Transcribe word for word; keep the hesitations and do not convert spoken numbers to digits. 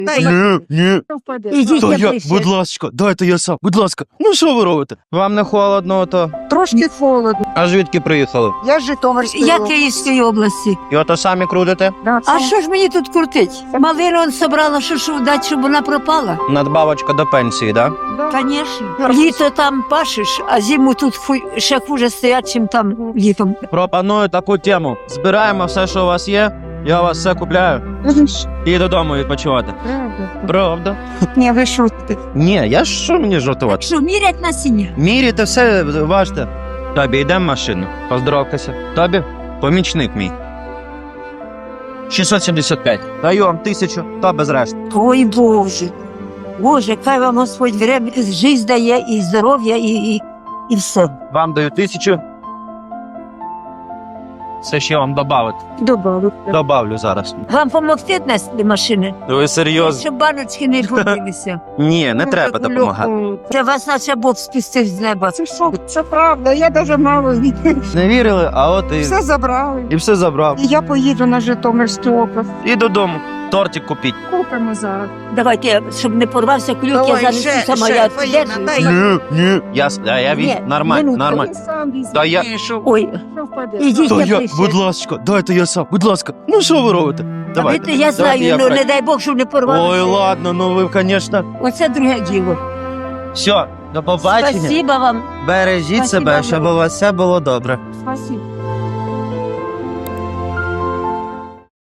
Ні, ні. Ідіть, Та я я, ближче. будь ласка, дайте я сам, будь ласка. Ну що ви робите? Вам не холодно, то? Трошки холодно. А звідки приїхали? Я з Житомирської. Я Київської області. І ото самі крутите? А що ж мені тут крутить? Малину он собрала, що ж дати, щоб вона пропала? Надбавочка до пенсії, да? Звісно. Літо там пашеш, а зиму тут фу- ще хуже стоять, чим там літом. Пропоную таку тему. Збираємо все, що у вас є, я у вас все купляю і додому відпочивати. Правда? Ні, ви шутите. Ні, я ж що мені жартувати? Що, мірять насіння? Міряйте все, важте. Тобі, йдемо в машину. Поздоровкайся. Тобі помічник мій. шістсот сімдесят п'ять. Даю вам тисячу, та без решти. Ой, Боже. Боже, хай вам Господь время, життя дає, і здоров'я, і, і, і все. Вам даю тисячу. Це ще вам добавити. Добавлю. Добавлю зараз. Вам допомогти нести машини? Ви серйозно? Щоб баночки не побилися. Ні, не треба допомагати. Це вас наче Бог спустив з неба. Це що? Це правда, я даже мало Не вірили, а от і, все забрали. і все забрав. І я поїду на Житомирську область. І додому. Тортик купіть. Купимо зараз. Давайте, я, щоб не порвався кульок, я Давай, зараз ще, сама ще, я Фаїна, піддержую. дай. Ні, ні. Я, с- а я Ні, від... Нормально, минутку. нормально. Сам візьми. Та я... Ой, Що впаде? ідіть, Та я я, ближче. будь ласка, дайте я сам, будь ласка. Ну що ви робите? Давайте. Давайте, я знаю, я ну пройду. не дай Бог, щоб не порвалося. Ой, ладно, ну ви, звісно. Оце друге діло. Все, до побачення. Спасибо вам. Бережіть Спасибо себе, вам. щоб у вас все було добре. Спасибо.